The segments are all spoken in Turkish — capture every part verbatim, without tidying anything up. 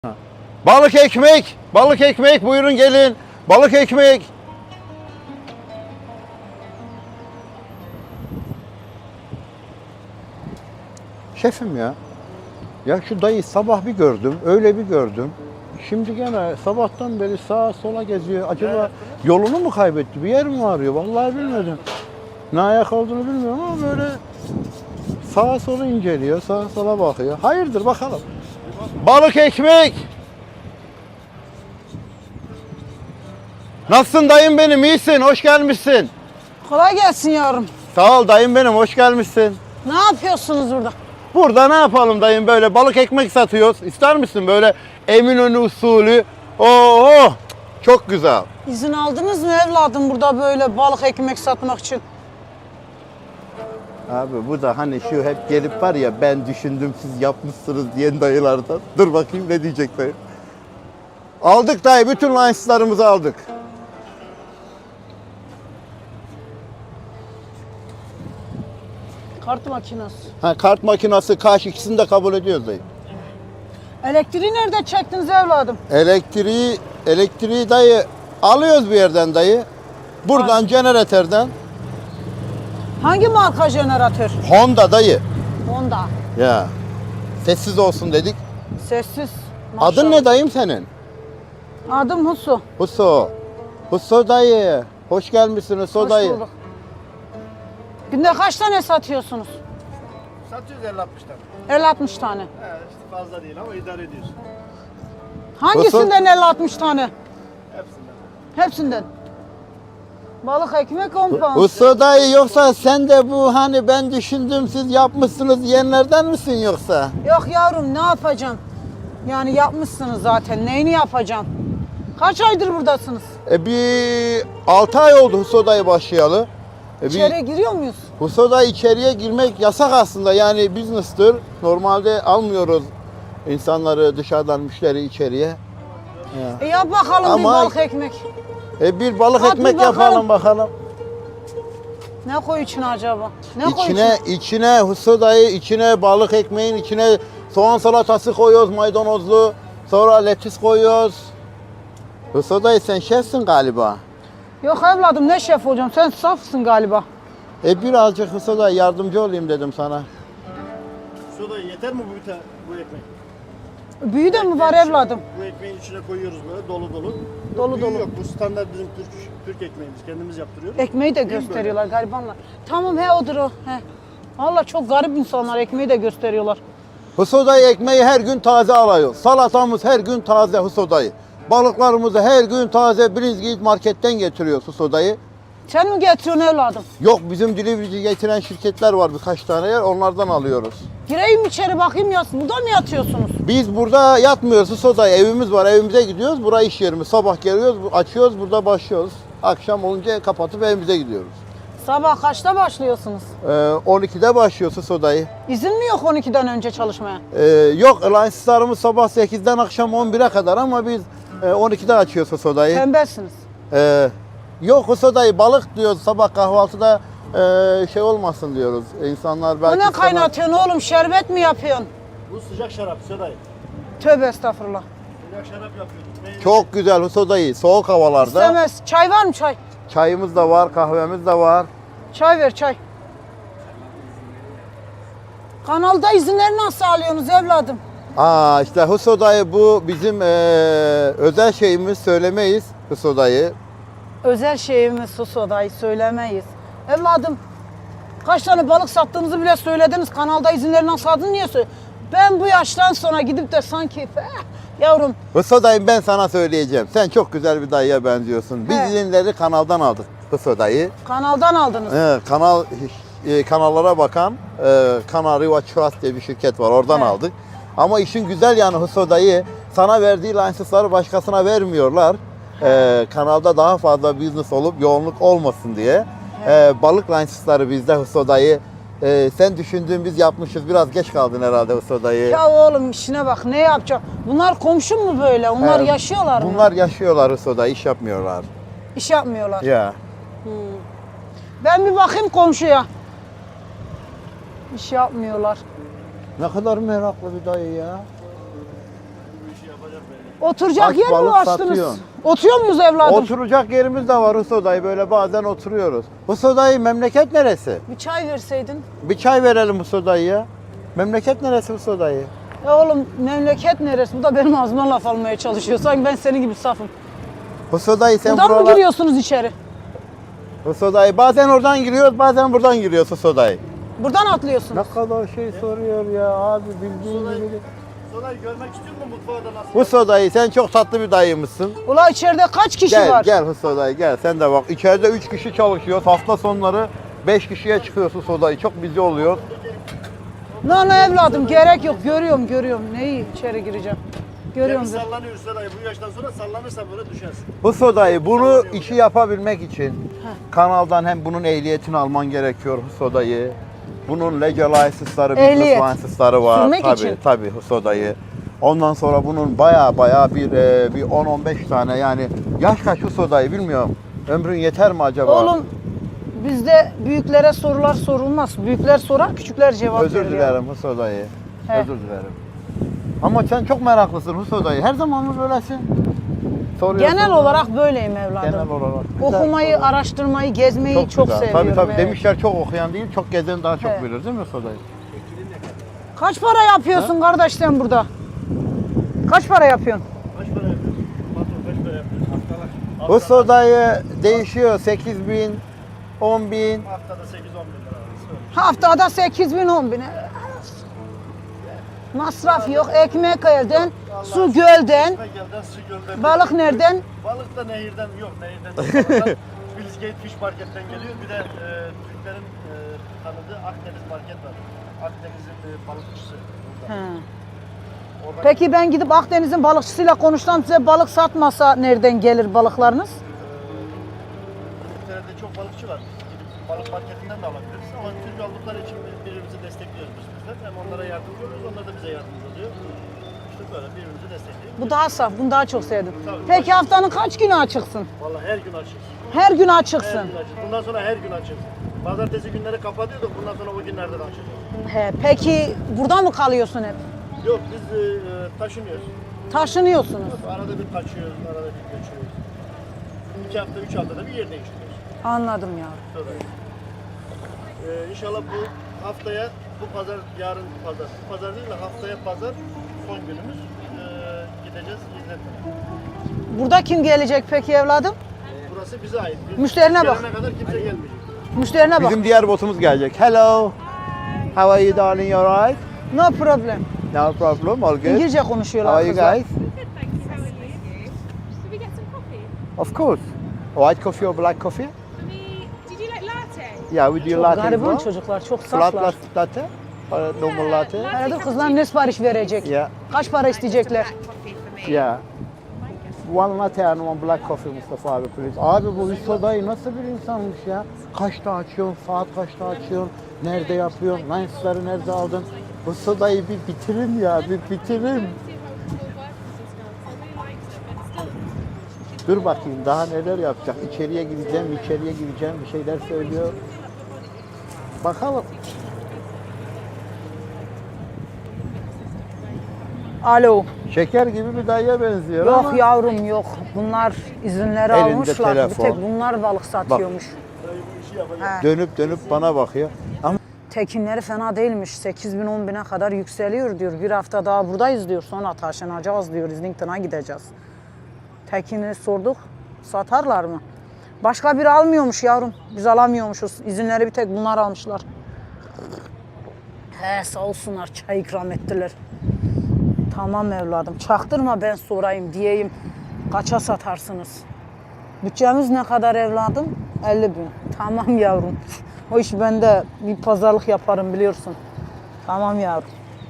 Balık ekmek, balık ekmek buyurun gelin. Balık ekmek. Şefim ya. Ya şu dayı sabah bir gördüm, öyle bir gördüm. Şimdi gene sabahtan beri sağa sola geziyor. Acaba yolunu mu kaybetti? Bir yer mi arıyor? Vallahi bilmedim. Ne ayak olduğunu bilmiyorum ama böyle sağa sola inceliyor, sağa sola bakıyor. Hayırdır bakalım. Balık ekmek. Nasılsın dayım benim? İyisin, hoş gelmişsin. Kolay gelsin yavrum. Sağ ol dayım benim, hoş gelmişsin. Ne yapıyorsunuz burada? Burada ne yapalım dayım, böyle balık ekmek satıyoruz. İster misin böyle Eminönü usulü? Oo, çok güzel. İzin aldınız mı evladım burada böyle balık ekmek satmak için? Abi bu da hani şu hep gelip var ya, ben düşündüm siz yapmışsınız diyen dayılardan. Dur bakayım ne diyecek dayı. Aldık dayı, bütün lineslarımızı aldık. Kart makinesi. Ha, kart makinesi, kaş, ikisini de kabul ediyoruz dayı. Elektriği nerede çektiniz evladım? Elektriği, elektriği dayı alıyoruz bir yerden dayı. Buradan jeneratörden. Hangi marka jeneratör? Honda dayı. Honda. Ya. Sessiz olsun dedik. Sessiz. Adın Maşallah. ne dayım senin? Adım Husu. Huso. Huso dayı. Hoş gelmişsin Huso Hoş dayı. bulduk. Günde kaç tane satıyorsunuz? Satıyoruz elli altmış tane. elli altmış tane. He, işte fazla değil ama idare ediyorsun. Hangisinden elli altmış tane? Hepsinden. Hepsinden. Balık ekmek on pound. Huso dayı, yoksa sen de bu hani ben düşündüm siz yapmışsınız diyenlerden misin yoksa? Yok yavrum ne yapacaksın? Yani yapmışsınız zaten. Neyini yapacaksın? Kaç aydır buradasınız? E bir altı ay oldu Huso dayı başlayalı. E bir, İçeriye giriyor muyuz? Huso dayı içeriye girmek yasak aslında, yani business'tır. Normalde almıyoruz insanları, dışarıdan müşteri içeriye. Ya. E yap bakalım Ama- bir balık ekmek. E bir balık Hadi ekmek bakalım. yapalım bakalım. Ne koy içine acaba? Ne koy İçine, içine? içine Huso dayı, içine balık ekmeğin içine soğan salatası koyuyoruz, maydanozlu. Sonra lettuce koyuyoruz. Huso dayı sen şefsin galiba. Yok evladım ne şef olacağım? Sen safsın galiba. E birazcık Huso dayı yardımcı olayım dedim sana. Soda yeter mi bu, ta- bu ekmek? Büyü de mi var evladım? Bu ekmeğin içine koyuyoruz böyle dolu dolu. Dolu Büyüğü dolu. Yok, bu standart bizim Türk Türk ekmeğimiz. Kendimiz yaptırıyoruz. Ekmeği de Değil mi gösteriyorlar garibanlar. Tamam he odur o. He. Valla çok garip insanlar ekmeği de gösteriyorlar. Huso dayı ekmeği her gün taze alıyoruz. Salatamız her gün taze Huso dayı. Balıklarımızı her gün taze Brizgit marketten getiriyoruz Huso dayı. Sen mi getiriyorsun evladım? Yok, bizim delivery getiren şirketler var birkaç tane yer, onlardan alıyoruz. Gireyim içeri bakayım ya. Burada mı yatıyorsunuz? Biz burada yatmıyoruz Huso dayı, evimiz var, evimize gidiyoruz. Burası iş yerimiz. Sabah geliyoruz, açıyoruz, burada başlıyoruz. Akşam olunca kapatıp evimize gidiyoruz. Sabah kaçta başlıyorsunuz? Ee, on ikide başlıyoruz Huso dayı. İzin mi yok on ikiden önce çalışmaya? Ee, yok, lineslarımız sabah sekizden akşam on bire kadar ama biz e, on ikide açıyoruz Huso dayı. Tembelsiniz. Ee, yok Huso dayı, balık diyoruz sabah kahvaltıda e, şey olmasın diyoruz. İnsanlar O belki... ne kaynatıyorsun oğlum? Şerbet mi yapıyorsun? Bu sıcak şarap Sodayı. Tövbe estağfurullah. Sıcak şarap yapıyorduk. Meyve- Çok güzel Huso dayı, soğuk havalarda. İstemez. Çay var mı çay? Çayımız da var, kahvemiz de var. Çay ver çay. Kanalda izinleri nasıl alıyorsunuz evladım? Aa işte Huso dayı, bu bizim e, özel şeyimiz, söylemeyiz Huso dayı. Özel şeyimiz sus odayı söylemeyiz. Evladım kaç tane balık sattığınızı bile söylediniz. Kanalda izinleri nasıl aldın niye söyle? Ben bu yaştan sonra gidip de sanki eh, yavrum Huso dayı, ben sana söyleyeceğim. Sen çok güzel bir dayıya benziyorsun. Biz He. izinleri kanaldan aldık Huso dayı. kanaldan aldınız. Ee, kanal e, kanallara bakan e, Kanal Riva Trust diye bir şirket var. Oradan He. aldık. Ama işin güzel yanı Huso dayı, sana verdiği lisansları başkasına vermiyorlar. Ee, kanalda daha fazla business olup yoğunluk olmasın diye. Ee, balık lisansları bizde Huso dayı. Ee, sen düşündüğün biz yapmışız. Biraz geç kaldın herhalde Huso dayı. Ya oğlum işine bak ne yapacak? Bunlar komşun mu böyle? Onlar Ee, yaşıyorlar mı? Bunlar yaşıyorlar Huso dayı, iş yapmıyorlar. İş yapmıyorlar. Ya. Ben bir bakayım komşuya. İş yapmıyorlar. Ne kadar meraklı bir dayı ya. Bu işi yapacak belli. Oturacak Aç yer mi balık açtınız? satıyorsun. Oturuyor muyuz evladım? Oturacak yerimiz de var Huso dayı. Böyle bazen oturuyoruz. Huso dayı memleket neresi? Bir çay verseydin. Bir çay verelim Huso dayıya. Memleket neresi Huso dayı? Ya oğlum memleket neresi? Bu da benim ağzımdan laf almaya çalışıyor. Sanki ben senin gibi safım. Huso dayı sen Buradan mı buralar... giriyorsunuz içeri? Huso dayı bazen oradan giriyoruz, bazen buradan giriyoruz Huso dayı. Buradan atlıyorsun. Ne kadar şey soruyor ya abi, bildiğin Huso gibi. dayı, Huso dayı görmek istiyor musun mutfağı da nasıl? Huso dayı sen çok tatlı bir dayımızsın. Ula içeride kaç kişi Gel var? gel Huso dayı gel, sen de bak. İçeride üç kişi çalışıyor, hafta sonları beş kişiye çıkıyor Huso dayı. Çok bizi oluyor. Lan evladım gerek yok. Görüyorum görüyorum. Neyi içeri gireceğim? Görüyorum. Gemi ben. sallanıyor Huso dayı. Bu yaştan sonra sallanırsa böyle düşersin. Huso dayı bunu işi yapabilmek için kanaldan hem bunun ehliyetini alman gerekiyor Huso dayı. Bunun legal license'ları, Ehliyet. business license'ları var. Sürmek tabii, için. Tabii Huso dayı. Ondan sonra bunun baya baya bir e, bir on on beş tane, yani yaş kaç Huso dayı bilmiyorum. Ömrün yeter mi acaba? Oğlum bizde büyüklere sorular sorulmaz. Büyükler sorar, küçükler cevap Özür verir. ya. dilerim Huso dayı. He. Özür dilerim. Ama sen çok meraklısın Huso dayı. Her zaman mı böylesin? Soruyorsun. Genel olarak böyleyim evladım. Genel olarak. Güzel. Okumayı, araştırmayı, gezmeyi çok, güzel. seviyorum. Tabii tabii evet. demişler çok okuyan değil, çok gezen daha çok He. bilir değil mi Huso dayı? Kaç para yapıyorsun kardeş sen burada? Kaç para yapıyorsun? Kaç para yapıyorsun? Patron kaç para yapıyorsun? Haftalar. Huso dayı değişiyor. sekiz bin, on bin. Haftada sekiz on bin lira. arası öyle. Haftada sekiz bin on bin. Masraf yok. Ekmek elden, su gölden, Ekmek elden, su gölden. balık nereden? Balık da nehirden yok. Nehirden değil. Balıklar Bilizgate Fish Market'ten geliyor. Bir de e, Türklerin e, tanıdığı Akdeniz Market var. Akdeniz'in e, balıkçısı. burada. He. Oradan Peki ben gidip Akdeniz'in balıkçısıyla konuşsam size balık satmasa nereden gelir balıklarınız? İngiltere'de çok balıkçı var. Gidip balık marketinden de alabiliriz. Ama Türk oldukları için birbirimizi destekliyoruz biz bizler. Hem onlara yardımcı oluyoruz, onlar da bize yardımcı oluyor. İşte böyle birbirimizi destekliyoruz. Bu daha saf, bunu daha çok sevdim. Tabii. Peki haftanın kaç günü açıksın? Vallahi her gün açız. Her gün Her açıksın. gün açız. Bundan sonra her gün açız. Pazartesi günleri kapatıyorduk. Bundan sonra o günlerde de açacağız. He, peki burada mı kalıyorsun hep? Yok biz e, e, taşınıyoruz. Taşınıyorsunuz. Arada bir kaçıyoruz, arada bir göçüyoruz. İki hafta, üç haftada bir yer değiştiriyoruz. Anladım ya. Sonra. Ee, inşallah bu haftaya, bu pazar, yarın pazar, bu pazar değil de haftaya pazar son günümüz. Ee, gideceğiz İzzet'e. Burada kim gelecek peki evladım? Burası bize ait. Biz Müşterine bak. gelene kadar kimse gelmeyecek. Müşterine bak. Bizim diğer botumuz gelecek. Hello. How are you darling? You alright? No problem. No problem. All good. İngilizce How konuşuyorlar are you kızlar. guys? Good, thank you. How are you? Should we get some coffee? Of course. White coffee or black coffee? For me, did you like latte? Yeah, we do Çok latte as gariban well. çocuklar, çok Flat saflar. latte or normal latte? Herhalde kızlar ne sipariş verecek? Yeah. Kaç para isteyecekler? Black coffee for me. Yeah. One latte and one black coffee Mustafa abi please. Abi bu Hüso dayı nasıl bir insanmış ya? Kaçta açıyorsun, saat kaçta açıyorsun, nerede yapıyorsun, lensleri nerede aldın? Hüso dayı bir bitirin ya, bir bitirin. Dur bakayım daha neler yapacak. İçeriye gideceğim, içeriye gireceğim, bir şeyler söylüyor. Bakalım. Alo. Şeker gibi bir dayıya benziyor Yok ama. yavrum yok. Bunlar izinleri Elinde almışlar. Bir telefon. tek bunlar balık satıyormuş. He. Dönüp dönüp bana bakıyor. Ama Tekinleri fena değilmiş. sekiz bin on bine kadar yükseliyor diyor. Bir hafta daha buradayız diyor. Sonra taşınacağız diyor. İzlington'a gideceğiz. Tekin'i sorduk. Satarlar mı? Başka biri almıyormuş yavrum. Biz alamıyormuşuz. İzinleri bir tek bunlar almışlar. He sağ olsunlar çay ikram ettiler. Tamam evladım. Çaktırma ben sorayım diyeyim. Kaça satarsınız? Bütçemiz ne kadar evladım? elli bin. Tamam yavrum. O iş bende. Bir pazarlık yaparım biliyorsun. Tamam yavrum.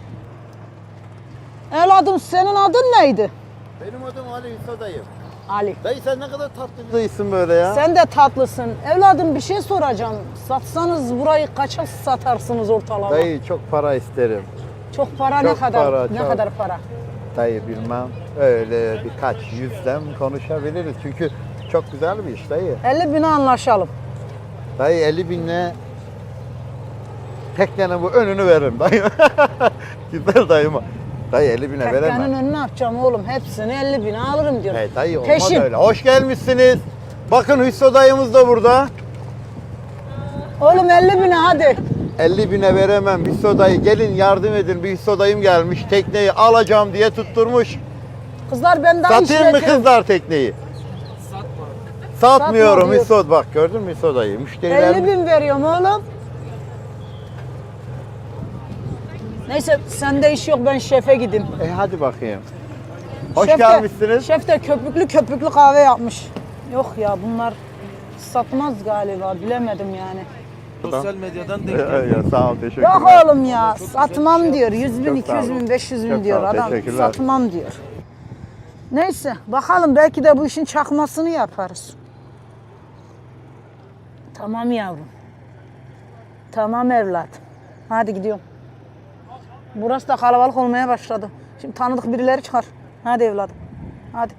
Evladım senin adın neydi? benim adım Ali Hüso dayı. Ali. Dayı sen ne kadar tatlı bir dayısın böyle ya. Sen de tatlısın. Evladım bir şey soracağım. Satsanız burayı kaça satarsınız ortalama? Dayı çok para isterim. Çok para Çok ne kadar? para, ne çok. kadar para? Dayı bilmem. Öyle birkaç yüzden konuşabiliriz. Çünkü çok güzel bir iş dayı. elli bine anlaşalım. Dayı elli binle teknenin bu önünü veririm dayı. Güzel dayıma. Dayı elli bine Tekkenin veremem. önüne yapacağım oğlum. Hepsini elli bine alırım diyorum. Hey dayı olmaz Peşin. öyle. Hoş gelmişsiniz. Bakın Hüsnü dayımız da burada. Oğlum elli bine hadi. elli bine veremem Hüsnü dayı. Gelin yardım edin. Bir Hüsnü dayım gelmiş. Tekneyi alacağım diye tutturmuş. Kızlar ben daha Satayım mı işletirim. kızlar tekneyi? Satmıyorum Satma diyor. Hüsnü. Bak gördün mü Hüsnü dayı? Müşteriler... elli bin veriyorum oğlum. Neyse sende iş yok ben şefe gideyim. E hadi bakayım. Hoş Şef de- gelmişsiniz. Şef de köpüklü köpüklü kahve yapmış. Yok ya bunlar satmaz galiba bilemedim yani. Sosyal medyadan denk Ya, geldi. ya, sağ ol teşekkürler. Yok oğlum ya satmam diyor. yüz bin, Çok iki sağ yüz olun. bin, beş yüz bin Çok diyor. sağ ol, Adam teşekkürler. satmam diyor. Neyse bakalım belki de bu işin çakmasını yaparız. Tamam yavrum. Tamam evlat. Hadi gidiyorum. Burası da kalabalık olmaya başladı. Şimdi tanıdık birileri çıkar. Hadi evladım. Hadi.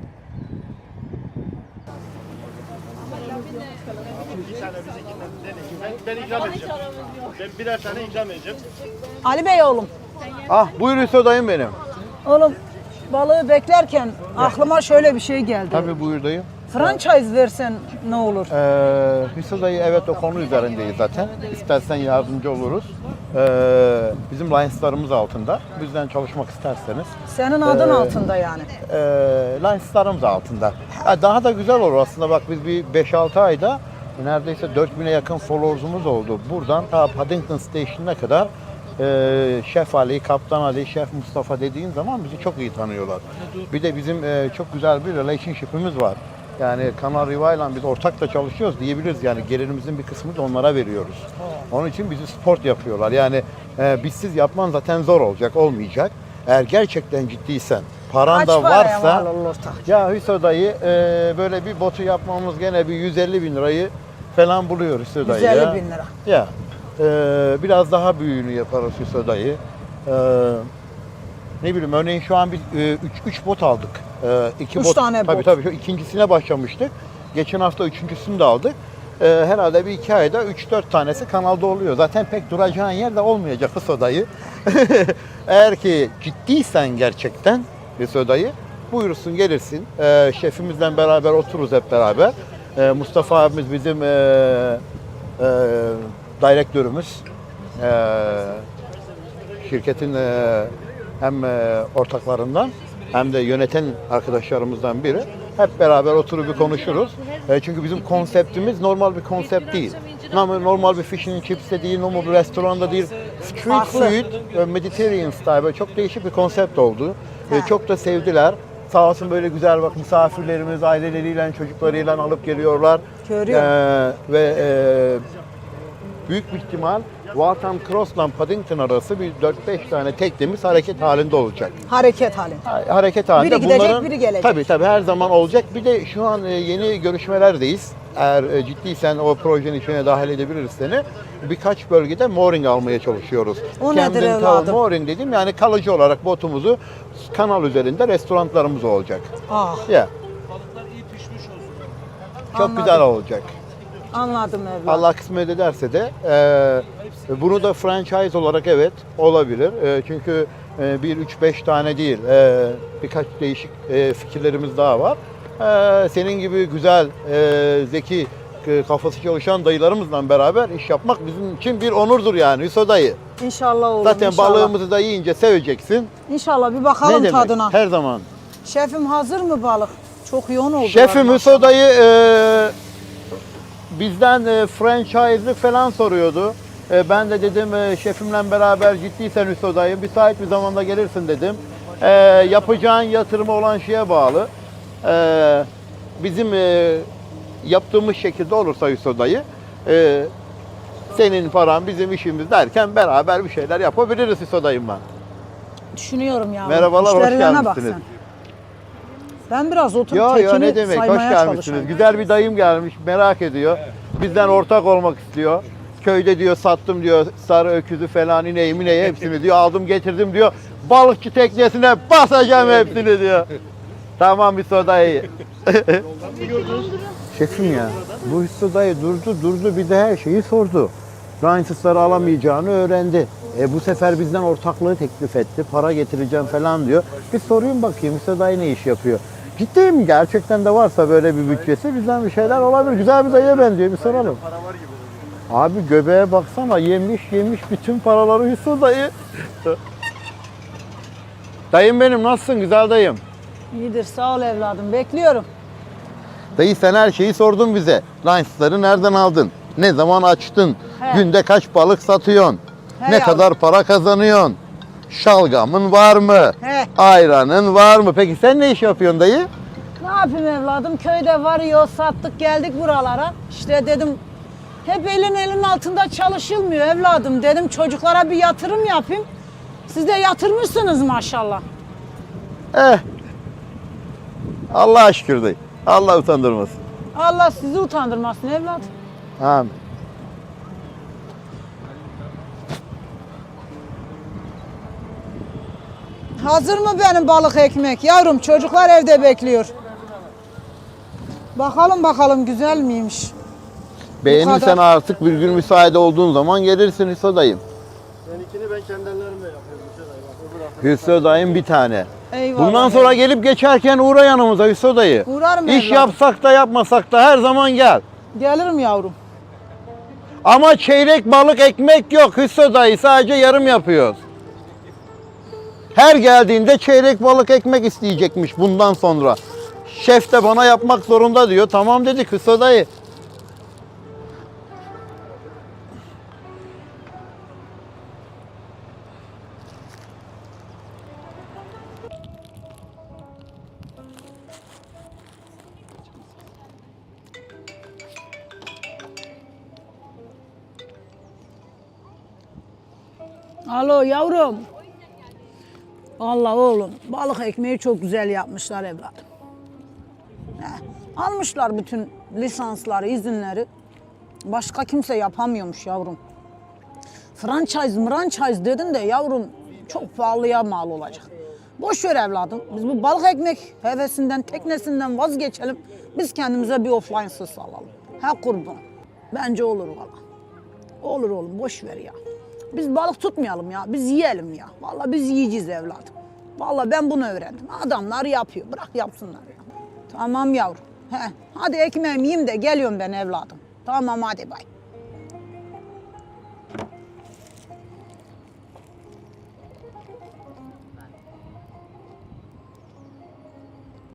Bir tane bizimkinden deneyin. Ben, ben ikram edeceğim. Ben birer tane ikram edeceğim. Ali Bey oğlum. Ah buyur Hüsnü dayım benim. Oğlum balığı beklerken aklıma şöyle bir şey geldi. Tabii buyur dayım. Franchise versen ne olur? Ee, Hüsnü dayı evet o konu üzerindeyiz zaten. İstersen yardımcı oluruz. Ee, bizim lineslarımız altında. Bizden çalışmak isterseniz. Senin adın Ee, altında yani. E, lineslarımız altında. Ha, daha da güzel olur aslında bak biz bir beş altı ayda neredeyse dört bine yakın followers'umuz oldu. Buradan ta Paddington Station'ına kadar e, Şef Ali, Kaptan Ali, Şef Mustafa dediğin zaman bizi çok iyi tanıyorlar. Bir de bizim e, çok güzel bir relationship'imiz var. Yani Kanal Riva'yla biz ortakla çalışıyoruz diyebiliriz yani gelirimizin bir kısmını da onlara veriyoruz. Onun için bizi sport yapıyorlar. Yani e, bizsiz yapman zaten zor olacak, olmayacak. Eğer gerçekten ciddiysen, paran Kaç da paraya varsa mal olur ortak? ya Hüsnü dayı e, böyle bir botu yapmamız gene bir yüz elli bin lirayı falan buluyor Hüsnü dayı. yüz elli ya. bin lira. Ya e, biraz daha büyüğünü yaparız Hüsnü dayı. E, ne bileyim örneğin şu an biz üç bot aldık. E, iki Üç bot, tane tabii, bot. Tabii şu ikincisine başlamıştık. Geçen hafta üçüncüsünü de aldık. E, herhalde bir iki ayda üç dört tanesi kanalda oluyor. Zaten pek duracağın yer de olmayacak Hüsnü dayı. Eğer ki ciddiysen gerçekten Hüsnü dayı buyursun gelirsin. E, şefimizle beraber otururuz hep beraber. E, Mustafa abimiz bizim e, e, direktörümüz. E, şirketin e, hem e, ortaklarından hem de yöneten arkadaşlarımızdan biri. Hep beraber oturup bir konuşuruz. E, çünkü bizim konseptimiz normal bir konsept değil. Normal, normal bir fish and chips de değil, normal bir restoranda değil. Street Farklı. food, e, Mediterranean style böyle çok değişik bir konsept oldu. E, çok da sevdiler. Sağ olsun böyle güzel bak misafirlerimiz aileleriyle, çocuklarıyla alıp geliyorlar. Görüyorum. E, ve e, büyük bir ihtimal Waltham Cross'la Paddington arası bir dört beş tane teknemiz hareket halinde olacak. Hareket hali. Ha- Hareket halinde. Biri gidecek, Bunların, biri gelecek. Tabii tabii her zaman olacak. Bir de şu an e, yeni görüşmelerdeyiz. Eğer e, ciddiysen o projenin içine dahil edebiliriz seni. Birkaç bölgede mooring almaya çalışıyoruz. O nedir Camden Town evladım? Mooring dedim yani kalıcı olarak botumuzu kanal üzerinde restoranlarımız olacak. Ah Ya Balıklar iyi pişmiş olsun. çok Anladım. güzel olacak. anladım evlat. Allah kısmet ederse de e, bunu da franchise olarak evet olabilir. E, çünkü e, bir, üç, beş tane değil e, birkaç değişik e, fikirlerimiz daha var. E, senin gibi güzel, e, zeki, e, kafası çalışan dayılarımızla beraber iş yapmak bizim için bir onurdur yani Hüsnü dayı. İnşallah oğlum Zaten inşallah. balığımızı da yiyince seveceksin. İnşallah bir Ne bakalım demek? tadına. Her zaman. Şefim hazır mı balık? Çok yoğun oldu. Şefim Hüsnü dayı e, bizden e, franchise'lık falan soruyordu. E, ben de dedim e, şefimle beraber ciddiysen Hüsnü dayı müsait bir zamanda gelirsin dedim. E, yapacağın yatırımı olan şeye bağlı. E, bizim e, yaptığımız şekilde olursa Hüsnü dayı e, senin paran bizim işimiz derken beraber bir şeyler yapabiliriz Hüsnü dayımla. Düşünüyorum ya. Merhabalar, hoş İşlerine bak gelmişsiniz. sen. Ben biraz oturup Yo yo tekini ne demek hoş saymaya gelmişsiniz. çalışayım. Güzel bir dayım gelmiş merak ediyor. Bizden ortak olmak istiyor. Köyde diyor sattım diyor sarı öküzü falan ineği mineği hepsini diyor aldım getirdim diyor. Balıkçı teknesine basacağım hepsini diyor. Tamam Hüsnü dayı. Şefim ya bu Hüsnü dayı durdu durdu bir de her şeyi sordu. Lines'ları alamayacağını öğrendi. E, bu sefer bizden ortaklığı teklif etti. Para getireceğim falan diyor. Bir sorayım bakayım Hüsnü dayı ne iş yapıyor? Ciddiyim, gerçekten de varsa böyle bir bütçesi bizden bir şeyler olabilir. Güzel bir dayıya benziyor, bir soralım. Para var gibi. Abi göbeğe baksana, yemiş yemiş bütün paraları Hüsnü dayı. Dayım benim, nasılsın güzel dayım? İyidir sağ ol evladım, bekliyorum. Dayı sen her şeyi sordun bize. Lines'ları nereden aldın? Ne zaman açtın? He. Günde kaç balık satıyorsun? He ne yavrum. kadar para kazanıyorsun? Şalgamın var mı? He. Ayranın var mı? Peki sen ne iş yapıyorsun dayı? Ne yapayım evladım, köyde varıyor, sattık geldik buralara. İşte dedim, hep elin elin altında çalışılmıyor evladım. Dedim çocuklara bir yatırım yapayım. Siz de yatırmışsınız maşallah. Eh. Allah'a şükür dayı. Allah utandırmasın. Allah sizi utandırmasın evladım. Amin. Hazır mı benim balık ekmek yavrum? Çocuklar evde bekliyor. Bakalım bakalım güzel miymiş? Beğenirsen kadar. artık bir gün müsaade olduğun zaman gelirsin Hüsnü dayım. Benimkini ben kendi ellerimle yapıyorum. Hüseyin dayı. Bak, öbür hafta. Hüsnü dayım bir tane. Eyvallah. Bundan sonra gelip geçerken uğra yanımıza Hüsnü dayı. Uğrarım İş evladım. yapsak da yapmasak da her zaman gel. Gelirim yavrum. Ama çeyrek balık ekmek yok Hüsnü dayı, sadece yarım yapıyoruz. Her geldiğinde çeyrek balık ekmek isteyecekmiş bundan sonra. Şef de bana yapmak zorunda diyor. Tamam dedik Hüsnü dayı. Alo yavrum. Vallahi oğlum balık ekmeği çok güzel yapmışlar evladım. Heh, almışlar bütün lisansları, izinleri. Başka kimse yapamıyormuş yavrum. Franchise, franchise dedin de yavrum çok pahalıya mal olacak. Boş ver evladım. Biz bu balık ekmek hevesinden, teknesinden vazgeçelim. Biz kendimize bir offline'sız alalım. Ha kurban. Bence olur valla. Olur oğlum boş ver ya. Biz balık tutmayalım ya. Biz yiyelim ya. Vallahi biz yiyeceğiz evladım. Vallahi ben bunu öğrendim. Adamlar yapıyor. Bırak yapsınlar ya. Tamam yavrum. He. Hadi ekmeğimi yiyeyim de geliyorum ben evladım. Tamam hadi bay.